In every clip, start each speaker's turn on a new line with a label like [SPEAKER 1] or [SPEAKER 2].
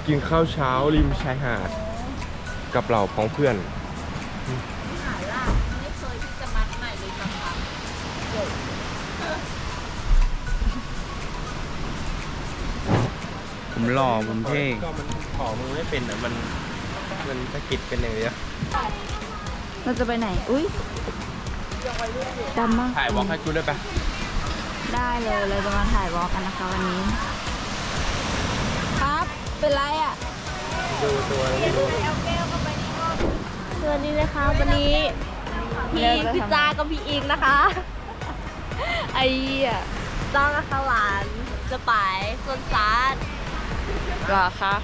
[SPEAKER 1] กินข้าวเช้าริมชายหาดกับเหล่าพ้องเพื่อน
[SPEAKER 2] หาล่าไม่เคยที่จะมัดใหม่เลยนะคะ
[SPEAKER 1] ผมหล่อผมเท่ก็มันขอมือไม่เป็นอ่ะมันสะกิดกันอย่างเดียว
[SPEAKER 2] เราจะไปไหนอุ้ยดำมาก
[SPEAKER 1] ถ่ายวอล์กให้กูได้ปะ
[SPEAKER 2] ได้เลยเราจะมาถ่ายวอล์กกันนะคะวันนี้ครับเป็นไรอ่ะ
[SPEAKER 1] ดูตัวแล้วดู
[SPEAKER 2] สวัสดีนะคะวันนี้พี่จ้ากับพี่อิงนะคะไอ้จ้ากับหลานจะไปสวนสาธหรอคะ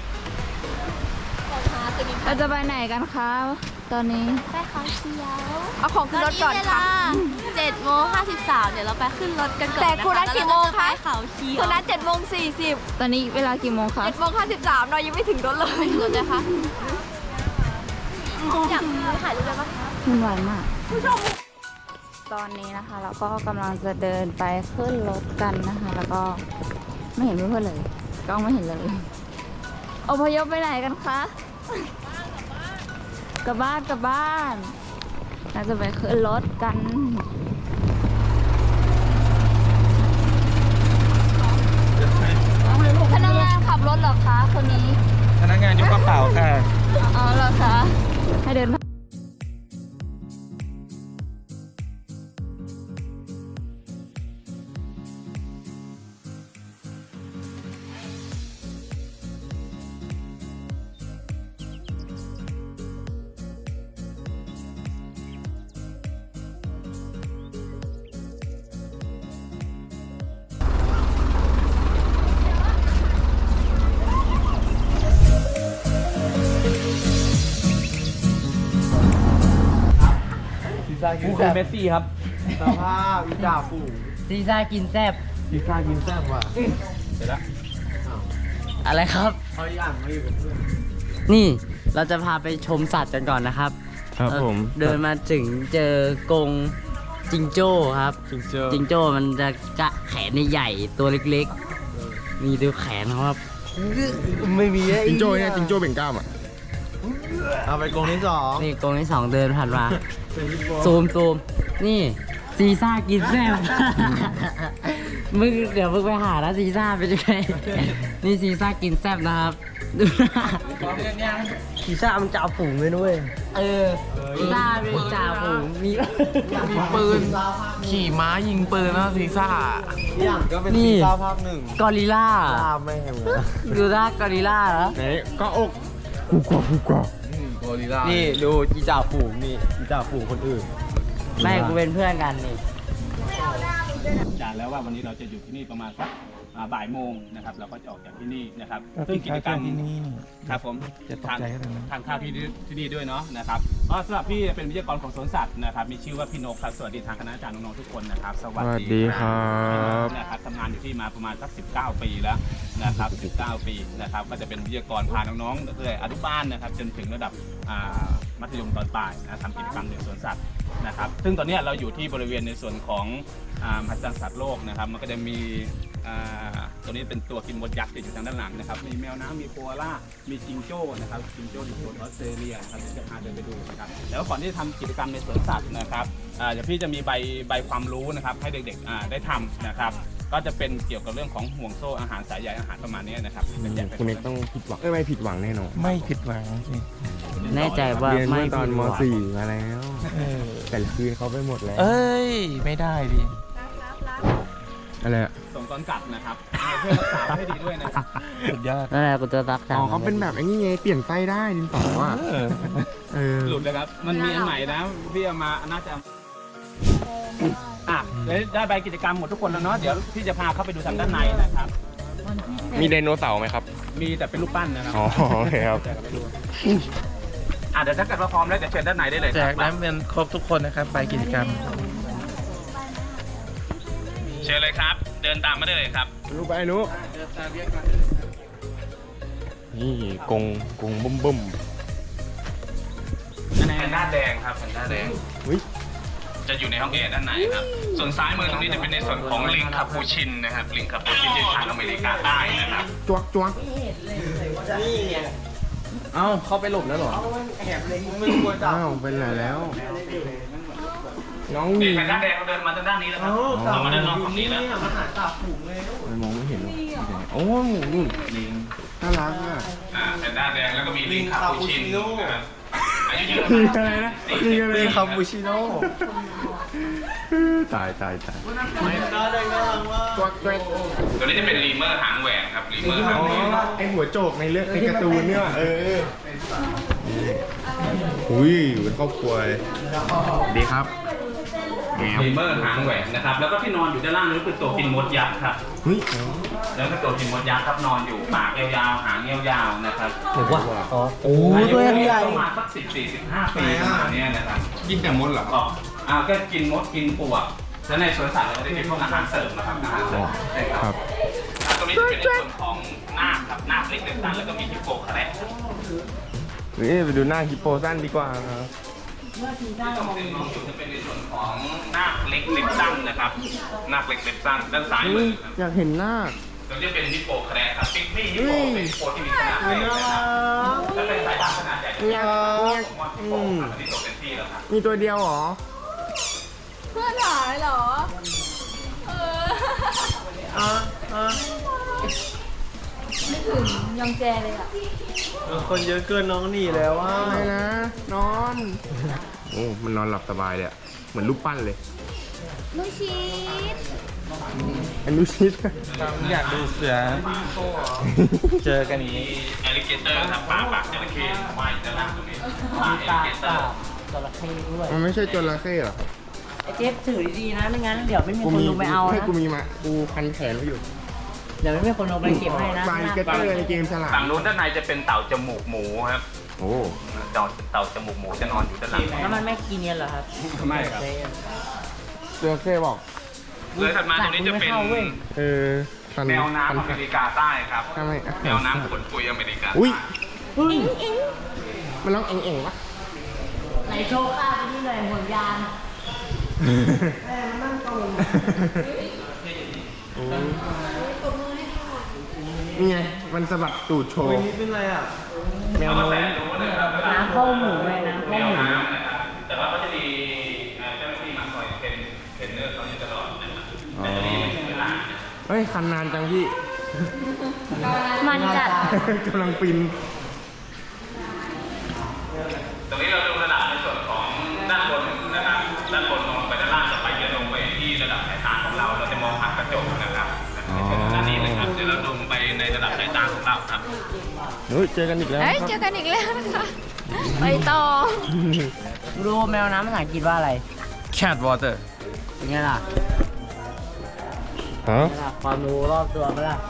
[SPEAKER 2] เราจะไปไหนกันคะตอนนี้ไปเขาเชียวเอาของขึ้นรถก่อนค่ะ7:53เดี๋ยวเราไปขึ้นรถกันก่อนแต่คุณนัดกี่โมงคะเขาเชียวคุณนัด7:40ตอนนี้เวลากี่โมงคะ7:53เรายังไม่ถึงรถเลยรถนะคะอยากถ่ายรูปได้ปะมันหวานมากตอนนี้นะคะเราก็กำลังจะเดินไปขึ้นรถกันนะคะ แล้วก็ไม่เห็นเพื่อนๆเลยก็ไม่เห็นเลยอพยพไปไหนกันคะกลับบ้านเราจะไปขึ้นรถกันพนักงานขับรถเหรอคะคนนี้
[SPEAKER 1] พนักงานยกกระเป๋าค่ะ
[SPEAKER 2] อ๋อเหรอคะให้เดิน
[SPEAKER 1] กูคือเมสซี่ครับสภาพวิจาฟู
[SPEAKER 3] ซีซ่ากินแซบ
[SPEAKER 1] พิซซ่ากินแซ่บว่ะเสร็จแล้ว
[SPEAKER 3] อะไรครับ
[SPEAKER 1] เขาย่างมาอยู่กับเพื่อน
[SPEAKER 3] นี่เราจะพาไปชมสัตว์กันก่อนนะครับ
[SPEAKER 1] ครับผม
[SPEAKER 3] เดินมาถึงเจอกรงจิงโจ้ครับ จิงโจ้มันจะกะแขนใหญ่ๆตัวเล็กๆมีดูแขนเขาครับ
[SPEAKER 1] ไม่มีจิงโจ้เนี่ยจิงโจ้เบ่งกล้ามอ่ะเอาไปกรงที่สอง
[SPEAKER 3] นี่กรงที่ 2เดินผ่านมาซูมนี่ซีซ่ากินแซบ มึงเดี๋ยวมึงไปหานะซีซ่าไปด้วย นี่ซีซ่ากินแซบนะครับดูหน้า
[SPEAKER 1] พิซซ่ามันจะเอาฝูงเลยนุ้ย
[SPEAKER 3] ซีซ่าเป็นจ่าฝูงมี
[SPEAKER 4] ปืนขี่ม้ายิงปืนนะซีซ่า
[SPEAKER 1] อย่างก็เป็น
[SPEAKER 3] นี่
[SPEAKER 1] พิซซ่าภาคหนึ่ง
[SPEAKER 3] กอริลล่า
[SPEAKER 1] ลาไม่แห้งเลย
[SPEAKER 3] ดูหน้ากอริลล่าเหรอ
[SPEAKER 1] ไหนก็อกกูกว่า
[SPEAKER 4] โกริลล่า
[SPEAKER 1] นี่ดูจีจ่าฝูงนี่จีจ่าฝูงคนอื่น
[SPEAKER 3] แม่กูเป็นเพื่อนกันนี่
[SPEAKER 5] จานแล้วว่าวันนี้เราจะอยู่ที่นี่ประมาณสักบ่ายโมงนะครับเราก็จะออกจากที่นี่นะครับซึ่งกิจกรรมครับผมทานข้าวที่นี่ด้วยเนาะนะครับก็สำหรับพี่เป็นวิทยากรของสวนสัตว์นะครับมีชื่อว่าพี่นกครับสวัสดีทางคณะอาจารย์น้องๆทุกคนนะครับสวัสดีครับนะครับทำงานอยู่ที่มาประมาณสัก19 ปีแล้วนะครับ19 ปีนะครับก็จะเป็นวิทยากรพาน้องๆตั้งแต่อนุบาลนะครับจนถึงระดับมัธยมตอนปลายนะทำกิจกรรมในสวนสัตว์นะครับซึ่งตอนนี้เราอยู่ที่บริเวณในส่วนของมหัศจรรย์สัตว์โลกนะครับมันก็จะมีตัวนี้เป็นตัวกินมดยักษ์ติดอยู่ทางด้านหลังนะครับมีแมวน้ำมีโคอาล่ามีจิงโจ้นะครับจิงโจ้อยู่โซนออสเตรเลียนะครับเดี๋ยวจะพาเดินไปดูนะครับแล้วก่อนที่จะทำกิจกรรมในสวนสัตว์นะครับเดี๋ยวพี่จะมีใบความรู้นะครับให้เด็กๆได้ทำนะครับก็จะเป็นเกี่ยวกับเรื่องของห่วงโซ่อาหารสายใยอาหารประมาณนี้นะครับเป็นแยกเป็น
[SPEAKER 1] คุณเอกต้องผิดหวังไม่ผิดหวังแน่นอน
[SPEAKER 4] ไม่ผิดหวังสิ
[SPEAKER 3] แน่ใจว่า
[SPEAKER 1] เรียน
[SPEAKER 3] ไม่
[SPEAKER 1] เมื่อตอน
[SPEAKER 3] ผิด
[SPEAKER 1] ม
[SPEAKER 3] หวัง
[SPEAKER 1] .4 มาแล้ว แต่ละคืนเขาไปหมดแล้ว
[SPEAKER 4] เอ้ย ไม่ได้ดิ
[SPEAKER 1] อะไรอะ
[SPEAKER 5] ส่งตอนกลับนะครับเพื่อรักษาให้ดีด้วยนะครับ
[SPEAKER 4] สุดยอด
[SPEAKER 3] นั่นแหละกูจะรักษา
[SPEAKER 1] อ๋อเขาเป็นแบบไอ้นี่ไงเปลี่ยนไส้ได้ดินสออ่ะเออ
[SPEAKER 5] หลุดเลยครับมันมีอันใหม่นะพี่เอามาน่าจะได้ใบกิจกรรมหมดทุกคนแล้วเนาะเดี๋ยวพี่จะพาเข้าไปดูทางด้านในนะครับ
[SPEAKER 1] มีไดโนเสาร์ไหมครับ
[SPEAKER 5] มีแต่เป็นรูปปั้นนะครับ
[SPEAKER 1] อ๋อโอเคครับ
[SPEAKER 5] เดี๋ยวถ้าเกิดว่าพร้อมแล้วเดี๋ยวเชิญด้านในได้เลย
[SPEAKER 4] แจ
[SPEAKER 5] ค
[SPEAKER 4] ก
[SPEAKER 5] รับ
[SPEAKER 4] น้ำเงินครบทุกคนนะครับ ไปกิจกรรม
[SPEAKER 5] เชิญเลยครับ เดินตามมาได้เลยครับ
[SPEAKER 1] ลูกไปนุนี่กงบุ้ม
[SPEAKER 5] แพนด้าแดงครับแพนด้าแดง
[SPEAKER 1] อุ้ย
[SPEAKER 5] จะอยู่ในห้องแอร์ด้านในครับส่วนซ้ายมือตรงนี้จะเป็นในส่วนของลิงคาปูชินนะครับลิงคาปูชินที่ทางอเมริกาใต้นะครับ
[SPEAKER 1] จวกจวก
[SPEAKER 4] เอ้าเข้าไปหลบแล้วเหรอ
[SPEAKER 1] อ้าวเป็นไรแล้ว น้อง
[SPEAKER 5] นี่
[SPEAKER 1] มี
[SPEAKER 5] แพนด้าแดงเขาเดินมาทางด้านนี้แล้วครับเรามาด้านนอกฝั่งนี้แล้ว
[SPEAKER 1] มันมองไม่เห็นหรอกโอ้หมูนุ่น
[SPEAKER 5] ลิง
[SPEAKER 1] น่ารักอ่ะ
[SPEAKER 5] แพนด้าแดงแล้วก็มีลิงคาปูชินนะครับอายุเยอะ
[SPEAKER 1] มีอะไรนะมีอะไรคาปูชิโน่ตายตายตายตัวเกรด
[SPEAKER 5] ตัวนี้จะเป็นลีเมอร์หางแหวนครับลีเมอร์หาง
[SPEAKER 1] อ๋อ
[SPEAKER 5] แหวน
[SPEAKER 1] ไอหัวโจกในเรื่องในการ์ตูนเนี่ยอุ้ยอยู่เป็นครอบครัวเลยดีครับแมว
[SPEAKER 5] ลีเมอร์หางแหวนนะครับแล้วก็ที่นอนอยู่ด้านล่างนี่คือตัวกินมดยักษ์ครับ
[SPEAKER 1] เฮ้ย
[SPEAKER 5] แล้วก็ตัวกินมดยักษ์ครับนอนอยู่ปากยาวๆหางยาวๆนะครับ
[SPEAKER 3] หรือว่าอ๋อ
[SPEAKER 1] โอ้
[SPEAKER 3] ตัวใหญ่
[SPEAKER 5] ประมาณสัก14-15 ปีประมาณเนี้ยนะครับ
[SPEAKER 1] กินแต่มดเหรอ
[SPEAKER 5] ก็ก็กินมดกินปลวกแล้วในสวนสัตว์เราจะได้เป็นพวกอาหารเสริมนะครับอาหารเสริมใช่ครับตรงนี้จะเป็นในส่วนของนาคครับนาคเล็กเด็กสั้นแล้วก็มีฮิปโปคาแรค
[SPEAKER 1] นี่ไปดูหน้าฮิปโปสั้นดีกว่าครับ
[SPEAKER 5] ที่ตรงนี้มองอยู่จะเป็นในส่วนของนาคเล็กเล็กสั้นนะครับนาคเล็กเล็กสั้นด้านซ้ายมือครับ
[SPEAKER 1] อยากเห็นหน้า
[SPEAKER 5] ตรงนี้เป็นฮิปโปคาแรคครับปิ๊กปี้ฮิปโปเป็นฮิปโปที่มีขนาดเล็กนะครับถ้าเป็นสายพันธุ์ขนาดใหญ่จะเป็นผมว่าฮิปโปครับอันนี้ตัวเป็นที่แล้วครับ
[SPEAKER 1] มีตัวเดียวเหรอ
[SPEAKER 2] เพื่อนหายเหรอ ไม่ถึงยองแจเลยอ่ะ
[SPEAKER 4] คนเยอะเกินน้องหนีแล้วว่า
[SPEAKER 1] อะไรนะ นอน โอ้ มันนอนหลับสบายเลยอะเหมือนรูปปั้นเลย
[SPEAKER 2] ลูชีส
[SPEAKER 1] อันนูชิด
[SPEAKER 4] อยากดูเสือ เจอกันนี้
[SPEAKER 5] แอลลิเกเตอร์ครับปากจระเข้ว่ายอยู่ด้านล่างตรงนี้
[SPEAKER 3] มี
[SPEAKER 5] แอล
[SPEAKER 3] ตา
[SPEAKER 5] ลิเกเตอ
[SPEAKER 3] ตา
[SPEAKER 5] ร์
[SPEAKER 3] จระเข้ด้วย
[SPEAKER 1] มันไม่ใช่จระเข้หรอครับ
[SPEAKER 3] ไอ้เจ๊ถือดีๆนะไม่งั้นเดี๋ยวไม่มีคนลงไปเอา
[SPEAKER 1] ให้
[SPEAKER 3] นะ
[SPEAKER 1] กูมีมากูพันแขนไว้อยู่
[SPEAKER 3] เดี๋ยวไม่มีคนลงไปเก็บให้นะ
[SPEAKER 1] ไฟเกตเตอร์ในเกมฉลาด
[SPEAKER 5] ฝั่งนู้นด้านในจะเป็นเต่าจมูกหมูครับ
[SPEAKER 1] โอ้
[SPEAKER 5] เต่าจมูกหมูจะนอนอยู่ด้านหลัง
[SPEAKER 3] แล้วมันไม่กินเนี่ยเหรอครับ
[SPEAKER 5] ไม่ครับ
[SPEAKER 1] จระเข้บอก
[SPEAKER 5] เลยถัดมาตรงนี้จะเป็น
[SPEAKER 1] พัน
[SPEAKER 5] แมวน้ำอเมริกาใต้ครับ
[SPEAKER 1] ทำไม
[SPEAKER 5] แมวน้ำขนปุยอเมริกา
[SPEAKER 1] อุ้ย
[SPEAKER 3] เฮ้ย
[SPEAKER 1] มันร้องเอ็งๆปะ
[SPEAKER 3] ไหนโชว์ข้าไปนี่หน่อยห่วงยาง
[SPEAKER 1] นี่ไง มันสะบัดตูดโชว์
[SPEAKER 4] นี่เป็นไรอ่ะ
[SPEAKER 1] แมวน้อย
[SPEAKER 3] น้ำเข้าหมูเลยน้ำ
[SPEAKER 5] แม
[SPEAKER 3] เข้าว หมู
[SPEAKER 5] น้ำนะครับแต่ว่าก็จะมีเจ้าหน้าที่มาคอยเทรนเนอร์เขาอยู่ตลอดนะครับแต่จะมีไม่ถึงเวลานะครับ
[SPEAKER 1] เฮ้ย คันนานจังพี่
[SPEAKER 2] มันจัด
[SPEAKER 1] กำลังฟิน
[SPEAKER 5] ตรงนี้เราดูระดับในส่วนของด้านบนนะครับด้านบนมองไปด้านล่างจะไปจะลงไปที่ระดับสายตาของเราเราจะมองผ่านกระจกนะครับในส่วนด้านนี้นะครับเดี๋ยวเราลงไปในระดับสายตาของเราครับ
[SPEAKER 1] เฮ้ย เจอกันอีกแล้ว
[SPEAKER 2] เอ้ย
[SPEAKER 1] ครับ
[SPEAKER 2] เจอกันอีกแล้วนะคะ ไปต่อ
[SPEAKER 3] รู้แมวน้ำภาษาอังกฤษว่าอะไร
[SPEAKER 4] cat water
[SPEAKER 3] เป็นไงล่ะ
[SPEAKER 1] ฮะ
[SPEAKER 3] เป็นไงล่ะความรู้รอบตัวไหมล่ะ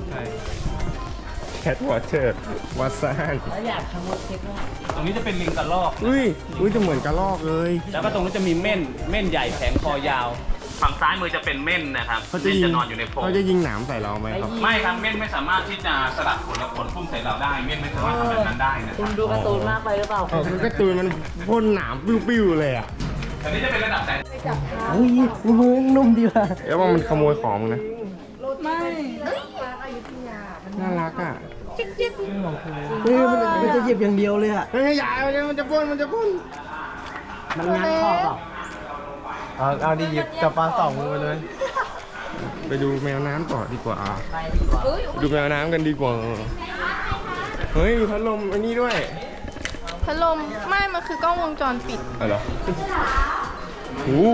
[SPEAKER 1] แคทวอเตอร์วัดซ่าน
[SPEAKER 3] แล้วอยากทำรถเช็คว่า
[SPEAKER 5] ตรงนี้จะเป็นลิงกระรอก
[SPEAKER 1] อุ้ยจะเหมือนกระรอกเลย
[SPEAKER 5] แล้วก็ตรงนี้จะมีเม่นใหญ่แผงคอยาว ฝั่งซ้ายมือจะเป็นเม่นนะครับ
[SPEAKER 1] เขาจะ
[SPEAKER 5] เม่น
[SPEAKER 1] ยิง
[SPEAKER 5] จะนอนอยู่ในโพรง
[SPEAKER 1] เขาจะยิงหนามใส่เราไหมครับ
[SPEAKER 5] ไม่ครับเม่นไม่สามารถที่จะสลัดขนและขนพุ่งใส่เราได้ เม่นไม่สามารถทำแบบนั้นได้นะค
[SPEAKER 3] คุ
[SPEAKER 5] รับ
[SPEAKER 3] ณดูการ์ตูนมากไปหรือเปล่า
[SPEAKER 1] อ๋อคือการ์ตูนมันพ่นหนามปิ้วๆเลยอ่ะ
[SPEAKER 5] อันนี้จะเป็นระดับสาย
[SPEAKER 3] อุ้ยมือนุ่มดีว่ะ
[SPEAKER 1] เดี๋ยวว่ามันขโมยของมึงนะ
[SPEAKER 2] ไม่
[SPEAKER 1] น่ารักอ่ะ
[SPEAKER 3] เฮ้ยมันจะหยิบอย่างเดียวเลยอ่ะ
[SPEAKER 1] เฮ้ยอย่ามันจะพ่น
[SPEAKER 3] มันงัดคอเปล่า
[SPEAKER 4] เอาดิหยิบจับปลาสองมือเลย
[SPEAKER 1] ไปดูแมวน้ำต่อดีกว่า
[SPEAKER 3] ไปดีกว่า
[SPEAKER 1] ดูแมวน้ำกันดีกว่า เฮ้ยมีพัดลมอันนี้ด้วย
[SPEAKER 2] พัดลมไม่ มันคือกล้องวงจรปิด
[SPEAKER 1] อะไรเหรอโอ้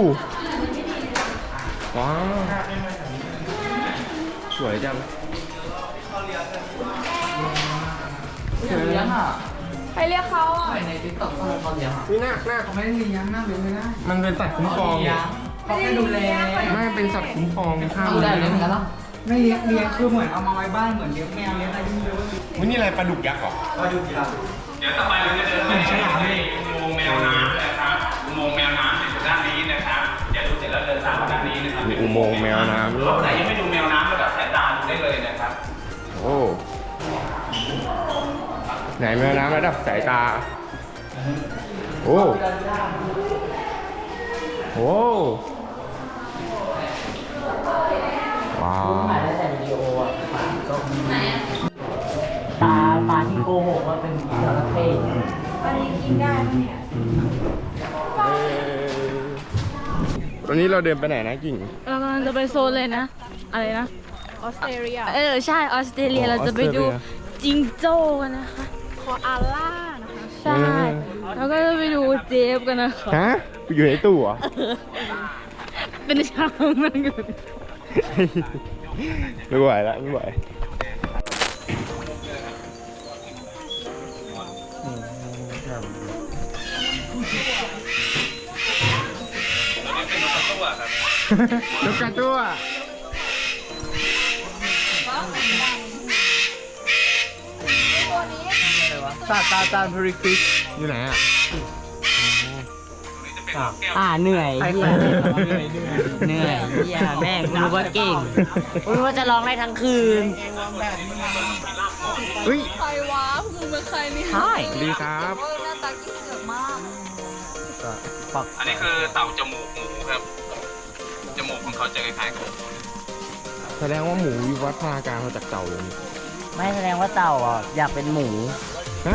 [SPEAKER 1] ว้าวสวยจัง
[SPEAKER 3] เลี้ยงอ่ะ
[SPEAKER 2] ไปเรียกเขาอ่ะ
[SPEAKER 3] ในติ๊กต็อกเขาเลี้ยงอ่ะ
[SPEAKER 1] นี่หน้า
[SPEAKER 3] เขาไม่ได้เลี้ยงนะเป็นไม่ได้
[SPEAKER 1] มันเป็นสัตว์คุ้มครอง
[SPEAKER 3] เขาแค่ดูแล
[SPEAKER 1] ไม่เป็นสัตว์คุ้มครองข้าม
[SPEAKER 3] ดูได้เลยเหมือนกันหรอ
[SPEAKER 6] ไม่เลี้ยงคือเหมือนเอามาไว้บ้านเหมือนเลี้ยงแมวเลี้ยงอะไรที่ไม่รู้
[SPEAKER 1] วันนี้อะไรปลาดุกยักษ์เหรอ
[SPEAKER 6] ก็ดูดีเรา
[SPEAKER 5] เดี๋ยวต่อไปเราจะเดินไปในอุโมงค์แมวน้ำนะครับ อุโมงค์แมวน้ำอยู่ด้านนี้นะครับอย่าดูเสร็จแล้วเดินตามมาด้านนี้นะครับ
[SPEAKER 1] อุโมงค์แมวน้ำ
[SPEAKER 5] รถไหนยังไม่ดูแมวน้ำระดับสายตาดูได้เลยนะครับ
[SPEAKER 1] โอ้ไหนแมวน้ำระดับสายตา โอ้โอ้ว้าว
[SPEAKER 3] ถ่ายได้แต่วิดีโออ่ะปลาที่โกหกว่าเป็นจระเข้
[SPEAKER 1] ตอนนี้เราเดินไปไหนนะกิ่ง
[SPEAKER 2] เรากำลังจะไปโซนเลยนะ อะไรนะ ออสเตรเลีย ใช่ ออสเตรเลีย เราจะไปดูจิงโจ้กันนะคะคออาล่านะคะ ใช่ แล้วก็จะไปดูเจฟกันนะคะ
[SPEAKER 1] ฮะอยู่ในตู้เหรอ
[SPEAKER 2] เป็นช้างนั่นกัน
[SPEAKER 1] ไม่ไหวแล้วไม่ไหวนกกระตั้วซาตาจานพริฟิชอยู่ไหนอ่ะ
[SPEAKER 3] เหนื่อยเหี้ยเหนื่อยเหี้ยแม่งกูรู้ว่าเก่งกูรู้ว่าจะร้องได้ทั้งคืน
[SPEAKER 1] เฮ้ย
[SPEAKER 2] ใครวะมึงเป็นใครนี่
[SPEAKER 3] ใช่
[SPEAKER 1] สวัสดีครับ
[SPEAKER 2] หน้าตากิ๊กเสือกมาก
[SPEAKER 5] อันนี้คือเต่าจมูกหมูครับ จมูกของเขาจะคล้ายๆกับหมู
[SPEAKER 1] แสดงว่าหมูวิวัฒนาการมาจากเต่าเลยนี่
[SPEAKER 3] ไม่แสดงว่าเต่าอ่ะอยากเป็นหมู
[SPEAKER 1] ฮะ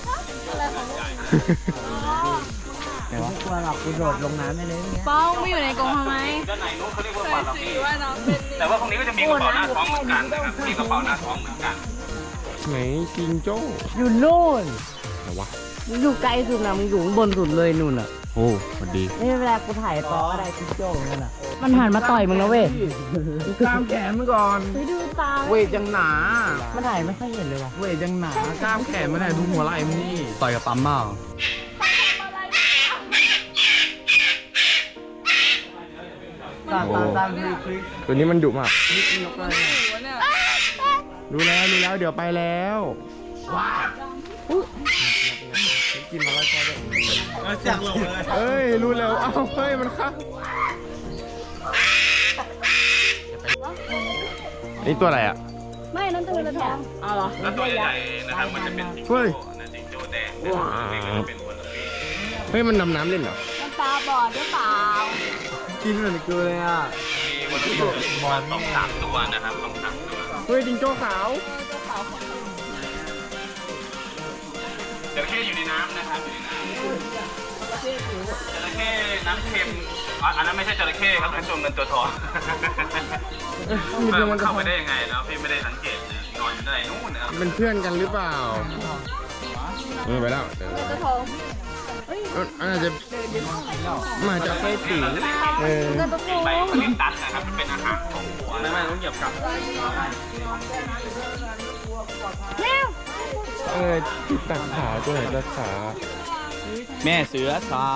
[SPEAKER 3] แต่ว่ากลัวหรอกกูโดดลงน้ำไปเลยเนี่ย
[SPEAKER 2] ป้องไม่อยู่ในกรงทำไม
[SPEAKER 5] ด้านในนู้นเขาเรียกว่าปลาลับบี้แต่ว่าพวกนี้ก็จะมีกระเป๋าหน้าท้องเหมือนกันนะครับ มีกระเป๋าหน้าท้องเหมือนกัน
[SPEAKER 1] ไหนจิงโจ้
[SPEAKER 3] อยู่นู่น
[SPEAKER 1] ไหนวะ
[SPEAKER 3] มึงอยู่ไกลสุดนะมึงอยู่ข้างบนสุดเลยนู่นอ่ะ
[SPEAKER 1] โอ้สวัสดี
[SPEAKER 3] นี่เวลากูถ่ายต่อก็ได้ทิปโจ้เหมือนกันอ่ะมันหันมาต่อยมึงนะเว้ย
[SPEAKER 6] กล้ามแขนมันก่อน
[SPEAKER 2] ไปดูตา
[SPEAKER 6] เวทยังหนา
[SPEAKER 3] มันถ่ายไม่ค่อยเห็นเลยว่ะ
[SPEAKER 6] เวทยังหนา กล้ามแขนมันไหนดูหัวไหล่มันนี่
[SPEAKER 4] ต่อยกับปั๊มเมา
[SPEAKER 6] ตาตาพริก
[SPEAKER 1] ตัวนี้มันดุมาก
[SPEAKER 6] นกอะไร
[SPEAKER 1] รู้แล้วเดี๋ยวไปแล้วว้าวกินมาแล้วก็ได้
[SPEAKER 6] เสียงหลงเลย
[SPEAKER 1] เอ้ยรู้แล้วเอ้าเฮ้ยมันเข้านี่ตัวอะไรอ่ะ
[SPEAKER 2] ไม่นั่นตัวเงินทอง
[SPEAKER 5] แล้วตัวใหญ่ๆนะครับ มันจะเป็นจิง
[SPEAKER 1] เฮ้
[SPEAKER 5] โจ้
[SPEAKER 1] ย
[SPEAKER 5] นะจิงโจ้แดงนะครับนี่ก็เป็นปลาลับบี้
[SPEAKER 1] เฮ้ยมันดำน้ำเล่นเหรอ
[SPEAKER 2] มันตาบอดหรือเปล่า
[SPEAKER 6] กินเหมือนกูเลยอ่ะ
[SPEAKER 5] มีวันที่ประมาณ2-3 ตัวนะครับ2-3 ตัว
[SPEAKER 1] เฮ้ยจิงโจ้ขาว
[SPEAKER 5] จระเข้อยู่ในน้ำนะครับอยู่ในน้ำจระเข้น้ำเค็มอันนั้นไม่ใช่จระเข้ครับเป็นตัวเงินตัวทองมันเข้าไปได้ยังไงเนาะพี่ไม่ได้สังเกตนะนอนอยู่ในนู่นนะครับ
[SPEAKER 1] เป็นเพื่อนกันหรือเปล่าไปแล้วเดี๋ยว
[SPEAKER 2] ตัวทอง
[SPEAKER 1] อาจจะมาจากไส้ติ๋วเออ
[SPEAKER 2] เงินตัวทอง
[SPEAKER 5] ใบคลิปตัสนะครับมันเป็นอาหารของหัวไม่ต้องเหยียบกลับ
[SPEAKER 1] ตัดขาตัวไหนตัดขา
[SPEAKER 4] แม่เสือสาง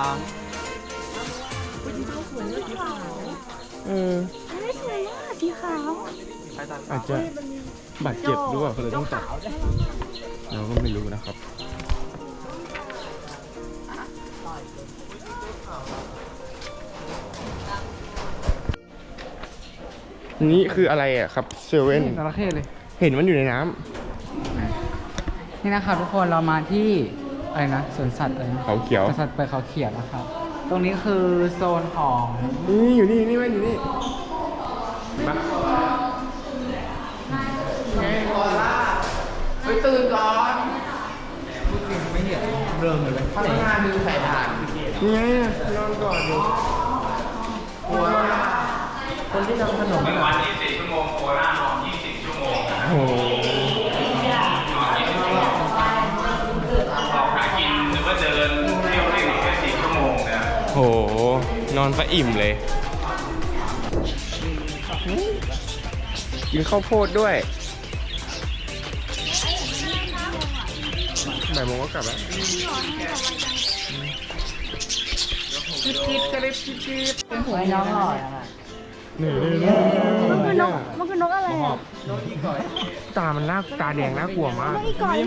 [SPEAKER 1] เออ
[SPEAKER 2] ไม่สวยมากสีขาว
[SPEAKER 1] อาจจะบาดเจ็บหรือเปล่าเขาเลยต้องตัดเราก็ไม่รู้นะครับนี่คืออะไรอ่ะครับเซเว่น
[SPEAKER 6] จระเข้เลย
[SPEAKER 1] เห็นมันอยู่ในน้ำ
[SPEAKER 6] นี่นะครับทุกคนเรามาที่อะไรนะสวนสัตว์อะไรนะ
[SPEAKER 1] เขาเขียว
[SPEAKER 6] สวนสัตว์เปิดเขาเขียวนะครับ ตรงนี้คือโซนของ
[SPEAKER 1] นี่อยู่นี่แม่อยู่นี่มา
[SPEAKER 6] ไม่เห็นเริ่มเลยข้างหน้ามีสายด่าน
[SPEAKER 1] นี่ไงนอนก่อนอยู่
[SPEAKER 3] คนที่ทำขนม
[SPEAKER 5] 1 วัน24 ชั่วโมงโคราชนอน20 ชั่วโมงนะครับ
[SPEAKER 1] โอ้โห
[SPEAKER 5] นอน20 ชั่วโมงออกหากินหรือว่าเดินเที่ยวเล่นแค่4 ชั่วโมงนะครับ
[SPEAKER 1] โหนอนซะอิ่มเลย กินข้าวโพดด้วยบ่ายโมงก็กลับแล้ว
[SPEAKER 3] ไว้น้องหล่ออ่ะ
[SPEAKER 1] นี่
[SPEAKER 2] มันคือนกอะไรอ่ะ
[SPEAKER 1] ตามันน่าตาแดงน่ากลัวมาก
[SPEAKER 2] อีก่อย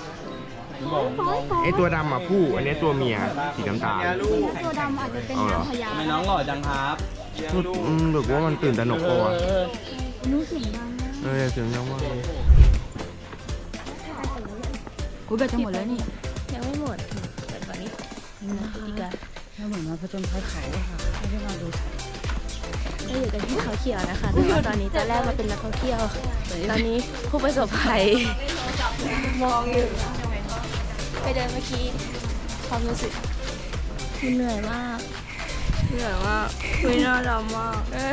[SPEAKER 1] ไอตัวดำอ่ะผู้ อันนี้ตัวเมียสีน้ำตาล
[SPEAKER 2] ตัวดำอาจจะเป็นนางพญา
[SPEAKER 4] ไม่น้องหล่อจังครับ
[SPEAKER 1] หรือว่ามันตื่นตระหนกปะวะ
[SPEAKER 2] รู้เสียงดังนะ
[SPEAKER 1] เสียงดังมากเลย
[SPEAKER 2] กูแบตจะหมดแล้วนี่ยังไม่หมดเปิดก่อนนี้นะอีก
[SPEAKER 6] ถ้าเหมือนมาผจญภัยเขาอะค่ะไม่ได้มาดู
[SPEAKER 2] เราอยู่กันที่เขาเขียวนะคะแต่ว่าตอนนี้ตอนแรกมาเป็นนักท่องเที่ยว ตอนนี้ผู้ประสบภัยมองอยู่ไปเดินเมื่อกี้ความรู้สึกเหนื่อยมากคุยน่าดำมาก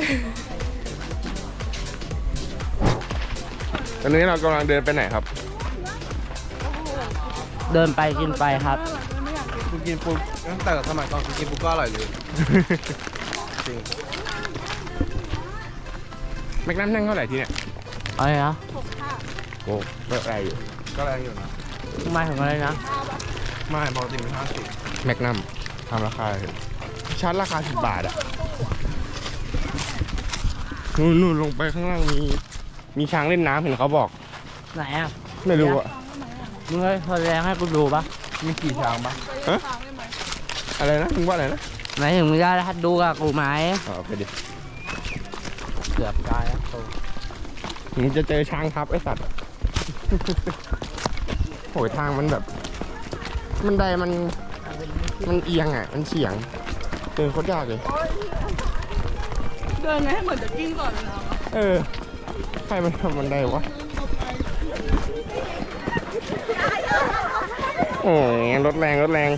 [SPEAKER 1] ตอนนี้เรากำลังเดินไปไหนครับ
[SPEAKER 3] เดินไปกินไปครับ
[SPEAKER 1] กูกินปุ๊บตั้งแต่สมัยก่อนกูกินปุ๊บก็อร่อยเลยจริงแม็กนัมนั่งเท่าไหร่ที่เนี่ย
[SPEAKER 3] อะไรนะ
[SPEAKER 1] โอ้ก็แรงอยู่ก็แรงอยู่นะ
[SPEAKER 3] ทำไมถึงอะไรนะ
[SPEAKER 1] ไม่ปกติเป็น50แม็กนัมทำราคาเลยชั้นราคา10 บาทอ่ะนู่นลงไปข้างล่างมีช้างเล่นน้ำเห็นเขาบอก
[SPEAKER 3] ไหนอ่ะ
[SPEAKER 1] ไม่รู้อ่ะ
[SPEAKER 3] มึงเคยแสดงให้กูดูปะ
[SPEAKER 1] มีกี่ช้างปะฮะอะไรนะมึงว่าอะไรนะ
[SPEAKER 3] ไหนถึงมึงได้ดูกับกูไหม
[SPEAKER 1] อ๋อไปดิ
[SPEAKER 3] เกือบได้แล้วกู
[SPEAKER 1] มึงจะเจอช้างทับไอ้สัตว์ โหยทางมันแบบมันไดมันเอียงอ่ะมันเฉียงเดินโคตรยากเลยเดินไหมเหมือนจะกิ้งก่อนเลยใครมันทำมันไดวะโอ้ยรถแรง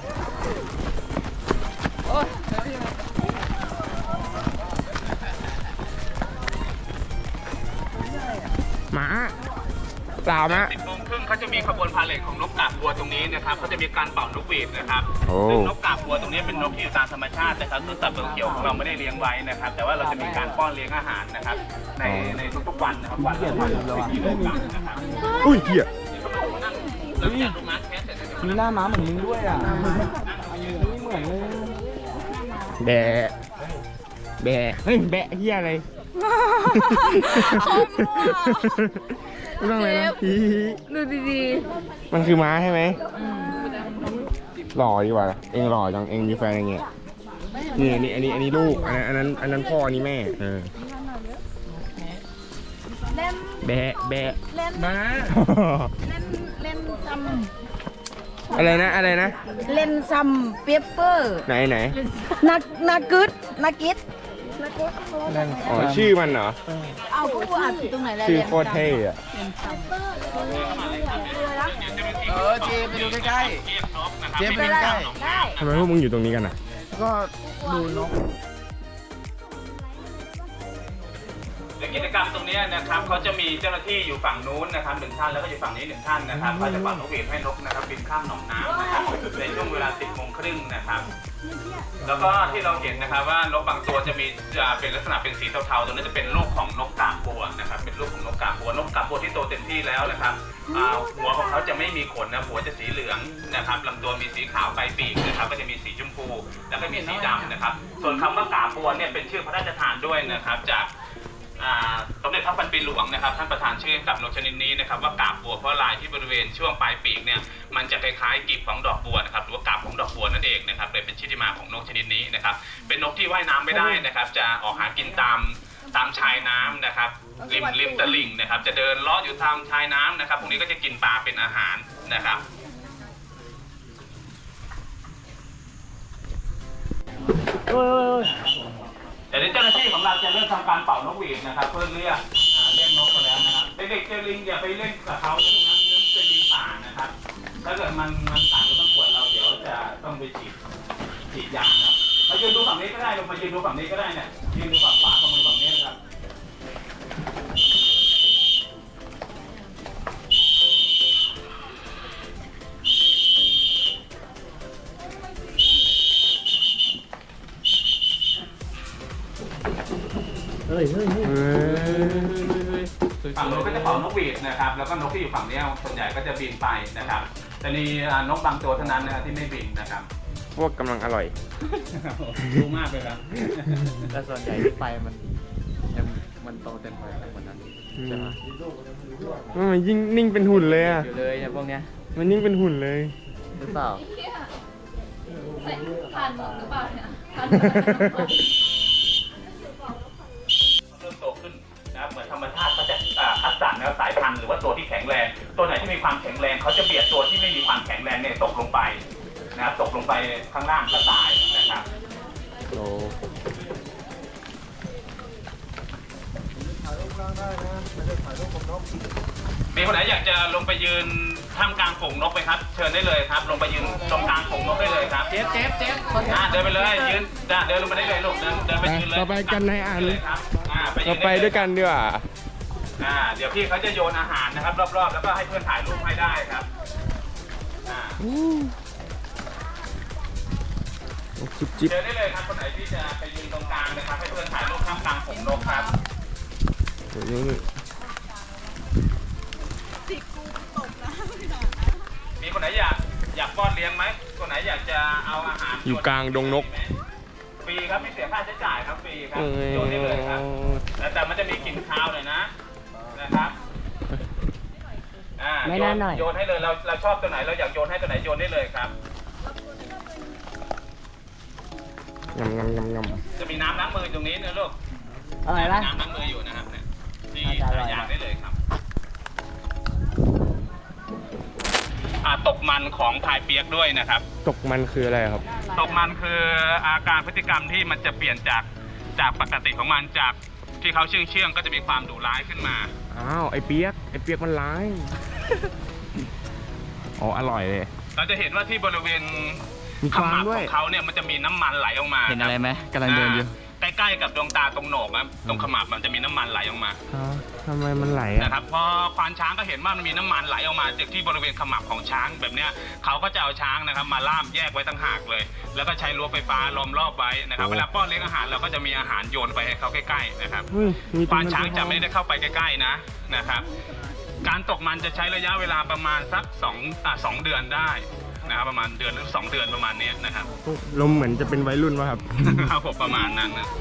[SPEAKER 1] หมาเปล่ามะ
[SPEAKER 5] 10 โมงครึ่งเขาจะมีขบวนพาเหรดของนกกาบบัวตรงนี้นะครับเขาจะมีการเป่านกหวีดนะครับ
[SPEAKER 1] โอ้
[SPEAKER 5] ซึ่งนกกาบบัวตรงนี้เป็นนกที่อยู่ตามธรรมชาตินะครับคือสัตว์ตัวเขียวของเราไม่ได้เลี้ยงไว้นะครับ แต่ว่าเราจะมีการป้อนเลี้ยงอาหารนะครับ ในทุกๆวันนะครับวันละ1กิโลกรัมนะครับ
[SPEAKER 1] อุ้ยเหี้ย
[SPEAKER 5] หลังจากลูกม้าแคสเสร็จแล้ว
[SPEAKER 6] มีหน้าม้าเหมือนมึงด้วยอ่ะ
[SPEAKER 1] แบะเฮ้ยแบะเหี้ยอะไรไม่ต้องเลยนะดูดีๆมันคือม้าใช่ไหมหล่อดีกว่าเองหล่อจังเองมีแฟนอย่างเงี้ยนี่อันนี้ลูกอันนั้นพ่ออันนี้แม่แบะม้า
[SPEAKER 7] เล่นซัม
[SPEAKER 1] อะไรนะ
[SPEAKER 7] เล่นซัมเปเปอร์
[SPEAKER 1] ไหน
[SPEAKER 7] นากิด
[SPEAKER 1] อ๋อชื่อมันเหรอ
[SPEAKER 7] เอาผู้อ่านตรงไหนแล้ว
[SPEAKER 1] ชื่อโคตรเท่อะ
[SPEAKER 4] เจไปดูใกล้ๆเจไปดูใกล้
[SPEAKER 1] ทำไมพวกมึงอยู่ตรงนี้กันอ่ะ
[SPEAKER 4] ก็ดูนก
[SPEAKER 5] ในกิจกรรมตรงนี้นะครับเขาจะมีเจ้าหน้าที่อยู่ฝั่งนู้นนะครับ1 ท่านแล้วก็อยู่ฝั่งนี้1 ท่านนะครับเขาจะเป่านกหวีดให้นกนะครับบินข้ามหนองน้ำนะครับในช่วงเวลา 10 โมงครึ่งนะครับแล้วก็ที่เราเห็นนะครับว่านกบางตัวจะเป็นลักษณะเป็นสีเทาๆตรงนี้จะเป็นลูกของนกกาบบัวนะครับเป็นลูกของนกกาบบัวที่โตเต็มที่แล้วนะครับหัวของเขาจะไม่มีขนนะหัวจะสีเหลืองนะครับลำตัวมีสีขาวปลายปีกนะครับก็จะมีสีชมพูแล้วก็มีสีดำนะครับส่วนคำว่ากาบบัวเนี่ยเป็นชื่อพระราชทานด้วยนะครับจากสมเด็จพระพันปีหลวงนะครับท่านประธานชื่อกับนกชนิดนี้นะครับว่ากาบบัวเพราะลายที่บริเวณช่วงปลายปีกเนี่ยมันจะคล้ายๆกีบของดอกบัวนะครับหรือว่ากาบของดอกบัวนั่นเองนะครับเลยเป็นชื่อที่มาของนกชนิดนี้นะครับเป็นนกที่ว่ายน้ำไม่ได้นะครับจะออกหากินตามชายน้ำนะครับริมตลิ่งนะครับจะเดินเลาะอยู่ตามชายน้ำนะครับพวกนี้ก็จะกินปลาเป็นอาหารนะครับเดี๋ยวเจ้าหน้าที่ของเราจะเริ่มทำการเป่านกหวีดนะครับเพื่อเรียกนกกันแล้วนะครับเด็กๆเจอลิงอย่าไปเล่นกับเขานะพวกนั้นเป็นลิงป่านะครับถ้าเกิดมันต่างกับต้องขวดเราเดี๋ยวจะต้องไปฉีดยานะมายืนดูฝั่งนี้ก็ได้ลงมายืนดูฝั่งนี้ก็ได้เนี่ยยืนดูฝั่งขวาของมือฝั่งนี้นะครับฝั่งนู้นก็จะเป่านกหวีดนะครับแล้วก็นกที่อยู่ฝั่งนี้ส่วนใหญ่ก็จะบินไปนะครับแต่มีนกบางตัวเท่านั้นนะครับที่ไม่บินนะครับ
[SPEAKER 1] พวกกำลังอร่อย
[SPEAKER 5] รู้มากเลยครับ
[SPEAKER 4] แต่ส่วนใหญ่ที่ไปมันโตเต็มไปทั้งหมดนั้นใช่ไหม
[SPEAKER 1] มันยิ่งนิ่งเป็นหุ่นเลยอ่ะ
[SPEAKER 4] อยู่เลยเนี่ยพวกเนี้ย
[SPEAKER 1] มันนิ่งเป็นหุ่นเลย
[SPEAKER 4] หรือเปล่า
[SPEAKER 2] ผ่านหมดหรือเปล่าเนี่ย
[SPEAKER 5] เริ่มโตขึ้นนะครับเหมือนธรรมชาติเขาจะคัดสรรแนวสายพันธุ์หรือว่าตัวที่แข็งแรงตัวไหนที่มีความแข็งแรงเขาจะเบียดตัวที่ไม่มีความแข็งแรงเนี่ยตกลงไปนะครับตกลงไปข้างล่างก็ตายนะครับ
[SPEAKER 1] โล
[SPEAKER 5] มีคนไหนอยากจะลงไปยืนท่ามกลางฝูงนกไหมครับ เชิญได้เลยครับ ลงไปยืนตรงกลางฝูงนกได้เลยครับเจ๊เดินไปเลยยืนเดินลงไปได้เลยลูกเดินไปยืนเลย
[SPEAKER 1] เราไปกันในอัน
[SPEAKER 5] เลยครับยื
[SPEAKER 1] เรา
[SPEAKER 5] น
[SPEAKER 1] ไปด้วยกันดีกว่า
[SPEAKER 5] เดี๋ยวพี่เขาจะโยนอาหารนะครับ รอบๆแล้วก็ให้เพื่อนถ่ายรูปให้ได้ครับ
[SPEAKER 1] จุ๊บจิ๊บ
[SPEAKER 5] เดินได้เลยครับคนไหนที่จะไปยืนตรงกลางนะครับให้เพื่อนถ่ายรูปท่ามกลางฝูงนกครับ
[SPEAKER 1] เดี๋ยวนี้
[SPEAKER 5] มีคนไหนอยากป้อนเลี้ยงไหมคนไหนอยากจะเอาอาหาร
[SPEAKER 1] อยู่กลางดงนก
[SPEAKER 5] ฟรีครับไม่เสียค่าใช้จ่ายครับฟรีครับโยนได้เลยครับแต่มันจะมีกลิ่นคาวหน่อยนะครับ
[SPEAKER 3] ไม่น่าหน่อย
[SPEAKER 5] โยนให้เลยเราชอบตัวไหนเราอยากโยนให้ตัวไหนโยนได้เลยครับ
[SPEAKER 1] งำ
[SPEAKER 5] จะมีน้ำล้างมือตรงนี้นะลูก
[SPEAKER 3] อร่อยปะ
[SPEAKER 5] น้ำล้างมืออยู่นะครับเนี่ยที่
[SPEAKER 3] น่าจะอร่อย
[SPEAKER 5] อยากได้เลยครับตกมันของพายเปียกด้วยนะครับ
[SPEAKER 1] ตกมันคืออะไรครับ
[SPEAKER 5] ตกมันคืออาการพฤติกรรมที่มันจะเปลี่ยนจากปกติของมันจากที่เขาเชื่องก็จะมีความดุร้ายขึ้นมา
[SPEAKER 1] อ้าวไอ้เปียกมันร้าย อ๋ออร่อยเลย
[SPEAKER 5] เราจะเห็นว่าที่บริเวณ
[SPEAKER 1] มี
[SPEAKER 5] ข
[SPEAKER 1] ฟาง
[SPEAKER 5] มับ
[SPEAKER 1] ด้
[SPEAKER 5] ข
[SPEAKER 1] วย
[SPEAKER 5] องเขาเนี่ยมันจะมีน้ำมันไหลออกมา
[SPEAKER 3] เห็นอะไรไหมกำลังเดินอยู่
[SPEAKER 5] ใกล้ๆกับดวงตาตรงโหนกครับตรงขมับมันจะมีน้ำมันไหลออกมา
[SPEAKER 1] ทำไมมันไหลอ่ะ
[SPEAKER 5] นะครับพอควานช้างก็เห็นว่ามันมีน้ำมันไหลออกมาจากที่บริเวณขมับของช้างแบบเนี้ยเขาก็จะเอาช้างนะครับมาล่ามแยกไว้ตั้งหากเลย แล้วก็ใช้รั้วไฟฟ้าล้อมรอบไว้นะครับเวลาป้อนเลี้ยงอาหารเราก็จะมีอาหารโยนไปให้เขาใกล้ๆนะครับ
[SPEAKER 1] เฮ้ยมี
[SPEAKER 5] ควานช้างจะไม่ได้เข้าไปใกล้ๆนะครับการตกมันจะใช้ระยะเวลาประมาณสัก2 เดือนได้นะครับประมาณเดือนหรือ2 เดือนประมาณนี้นะครับ
[SPEAKER 1] ลมเหมือนจะเป็นวัยรุ่นวะครับ
[SPEAKER 5] ครับผมประมาณนั้นนะ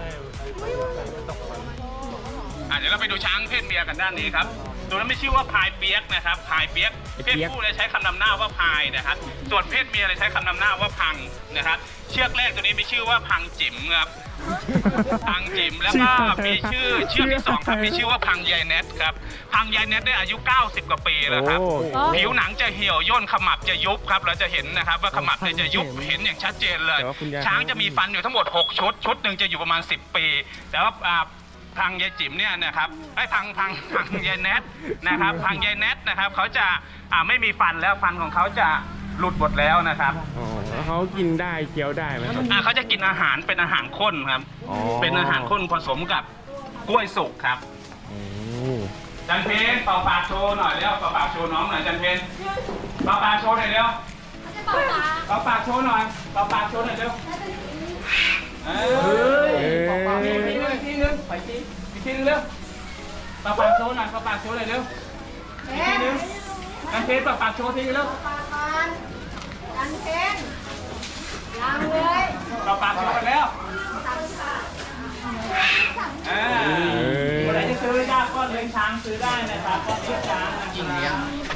[SPEAKER 5] เดี๋ยวเราไปดูช้างเพศเมียกันด้านนี้ครับตัวนั้นไม่ชื่อว่าพายเปียกนะครับพายเปียกเพศผู้เลยใช้คำนำหน้าว่าพายนะครับส่วนเพศเมียเลยใช้คำนำหน้าว่าพังนะครับเชือกแรกตัวนี้มีชื่อว่าพังจิ๋มครับพังจิ๋มแล้วก็มีเชือกที่2ครับมีชื่อว่าพังยายเน็ตครับพังยายเน็ตได้อายุ90 กว่าปีแล้วครับ
[SPEAKER 1] โอ้
[SPEAKER 5] ผิวหนังจะเหี่ยวย่นขมับจะยุบครับเราจะเห็นนะครับว่าขมับเนี่ยจะยุบเห็นอย่างชัดเจนเลย
[SPEAKER 1] แต่ว่าคุณยาย
[SPEAKER 5] ช้างจะมีฟันอยู่ทั้งหมด6ชุดหนึ่งจะอยู่ประมาณ10 ปี แต่ว่าพังยายจิ๋มเนี่ยนะครับพังยายเน็ตนะครับพังยายเน็ตนะครับเขาจะไม่มีฟันแล้วฟันของเขาจะหลุดหมดแล้วนะครับ
[SPEAKER 1] อ๋อแล้วเขากินได้เคี้ยวได้ไหมครับ
[SPEAKER 5] เขาจะกินอาหารเป็นอาหารข้นครับ
[SPEAKER 1] อ๋อ
[SPEAKER 5] เป็นอาหารข้นผสมกับกล้วยสุกครับ
[SPEAKER 1] โอ้
[SPEAKER 5] จันเพนเป่าปากโชว์หน่อยเร็วเป่าปากโชว์น้องหน่อยจันเพนเป่าปากโชว์หน่อยเร็วเป่าปากโชว์หน่อยเป่าปากโชว์หน่อยเร็วอีกทีนึงไปอีกทีนึงเร็วเป่าปากโชว์หน่อยเป่าปากโชว์หน่อยเร็วอีกทีนึงจันเพนเป่าปากโชว์ทีเร็ว
[SPEAKER 7] กันเพนยังเลย
[SPEAKER 5] เป่าปากโชว์กันแล้วคนไหนจะซื้อได้ก็เลี้ยงช้างซื้อได้นะครับก็เลี้ยงช้างนะกินเลี้ยง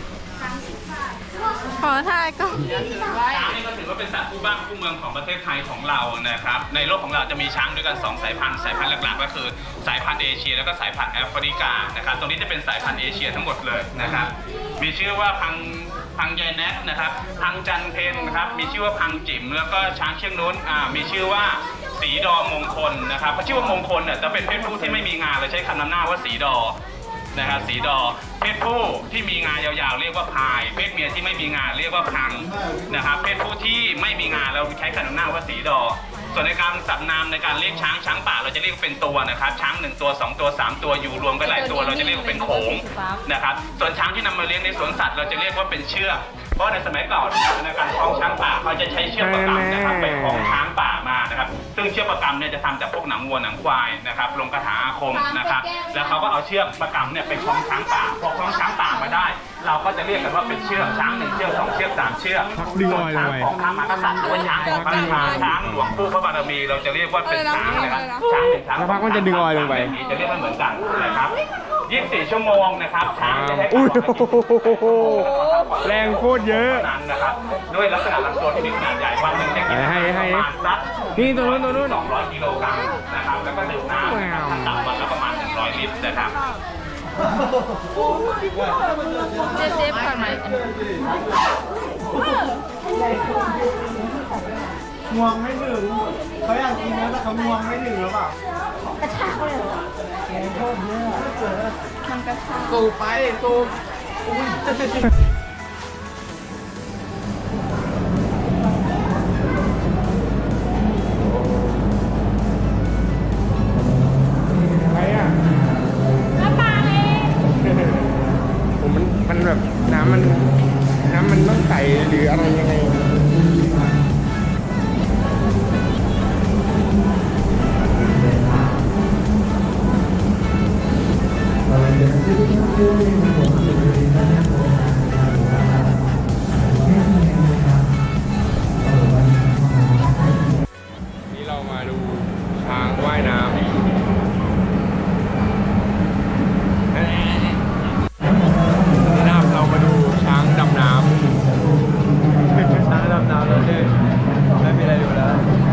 [SPEAKER 2] ขอถ่ายก่อน
[SPEAKER 5] ช้างนี่ก็ถือว่าเป็นสัตว์คู่บ้านคู่เมืองของประเทศไทยของเรานะครับในโลกของเราจะมีช้างด้วยกัน2 สายพันธุ์หลักๆก็คือสายพันธุ์เอเชียแล้วก็สายพันธุ์แอฟริกานะครับตรงนี้จะเป็นสายพันธุ์เอเชียทั้งหมดเลยนะครับมีชื่อว่าพังยายแนทนะครับพังจันเพนนะครับมีชื่อว่าพังจิ๋มแล้วก็ช้างเชือกนู้นมีชื่อว่าสีดอมงคลนะครับเพราะชื่อว่ามงคลเนี่ยจะเป็นเพศผู้ที่ไม่มีงาเลยใช้คำนำหน้าว่าสีดอนะครับสีดอเพศผู้ที่มีงายาวๆเรียกว่าพายเพศเมียที่ไม่มีงาเรียกว่าพังนะครับเพศผู้ที่ไม่มีงาเราใช้คำนำหน้าว่าสีดอส่วนในการสับนามในการเรียกช้างป่าเราจะเรียกเป็นตัวนะครับช้าง1 ตัว 2 ตัว 3 ตัวอยู่รวมกันหลายตัวเราจะเรียกว่าเป็นโขงนะครับส่วนช้างที่นำมาเลี้ยงในสวนสัตว์เราจะเรียกว่าเป็นเชือกเพราะในสมัยก่อนในการคล้องช้างป่าเขาจะใช้เชือกประกำนะครับไปคล้องช้างป่ามานะครับซึ่งเชือกประกำเนี่ยจะทำจากพวกหนังวัวหนังควายนะครับลงคาถาอาคมนะครับแล้วเขาก็เอาเชือกประกำเนี่ยไปคล้องช้างป่าพอคล้องช้างป่ามาได้ เราก็จะเรียกกันว่าเป็นเชือกช้าง1 เชือก 2 เชือก 3 เชือก
[SPEAKER 1] ดึงออยล
[SPEAKER 5] ช้าง
[SPEAKER 1] งไป
[SPEAKER 5] ของพระมหากษัตริย์หรือว่าช้างของพระราชาช้างหลวงปู่พระบารมีเราจะเรียกว่าเป็นช้างนะครับช้าง1 ช้าง
[SPEAKER 1] แล้วพักมันจะดึงออยลงไป
[SPEAKER 5] จะเรียกไม่เหมือนกันนะครับ24 ชั่วโมงนะครับช้างจะให้
[SPEAKER 1] อุ้ย
[SPEAKER 5] ความร้อนให้กิน
[SPEAKER 1] แรงโคตรเยอะ
[SPEAKER 5] นั้นนะครับด้วยลักษณะลำตัวที่มีขนาดใหญ่วันหนึ่งจะกิน
[SPEAKER 1] ให้
[SPEAKER 5] ประมาณสัก
[SPEAKER 1] นี่ตัวนู้น
[SPEAKER 5] 200 กิโลกรัมนะครับแล้วก็ดื่มน้ำนะครับขั้นต่ำวันละประมาณ100 ลิตรนะครับ
[SPEAKER 2] เจ็บก่อนไหม
[SPEAKER 1] งวงไม่ถึงเขาอยากกินนะแต่เขางวงไม่ถึงหรือเปล่า
[SPEAKER 4] สูบไปสูบ
[SPEAKER 1] ใครอ่ะน้ำปลาเลยผมมันแบบน้ำมันต้องใสหรืออะไรยังไงนี่เรามาดูช้างว่ายน้ำนะครับเรามาดูช้างดำน้ำ
[SPEAKER 4] ช้างดำน้ำแล้วเนี่ยไม่มีอะไรดูแล้ว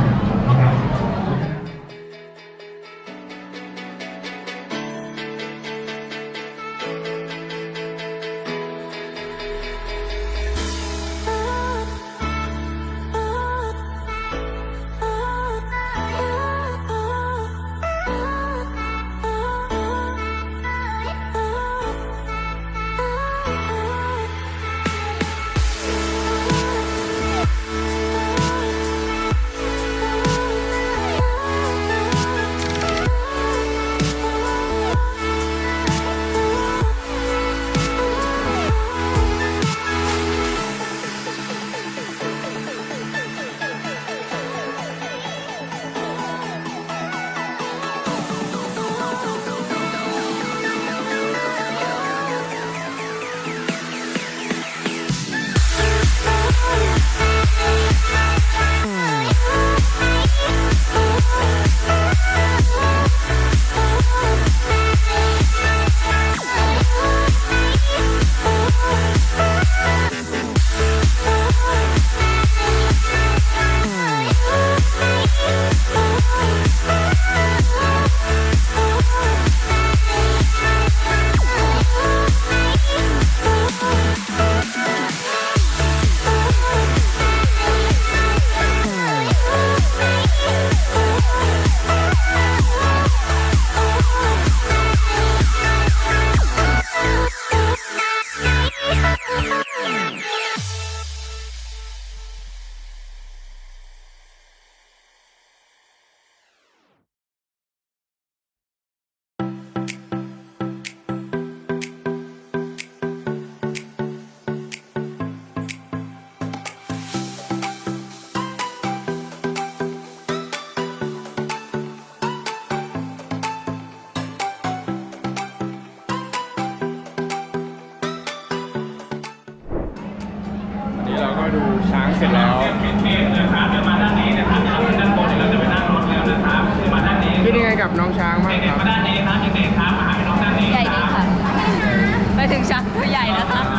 [SPEAKER 1] วันนี้เราก็ดูช้างเสร็จแล้ว
[SPEAKER 5] นะครับเดี๋ยวมาด้านนี้นะครับเดี๋ยวเราด้านบนเดี๋ยวเราจะไปนั่งรถแล้วนะครับคือมาด้านนี้
[SPEAKER 1] คิดยังไงกับน้องช้างบ้าง
[SPEAKER 5] เด็
[SPEAKER 1] ค
[SPEAKER 5] ก
[SPEAKER 1] รับ
[SPEAKER 5] ๆมาด้านนี้ครับเด็กๆครับมาหาพี่น้องด้านนี้
[SPEAKER 2] ใหญ่ดีค่ะไปถึงช้างตัวใหญ่นะคะ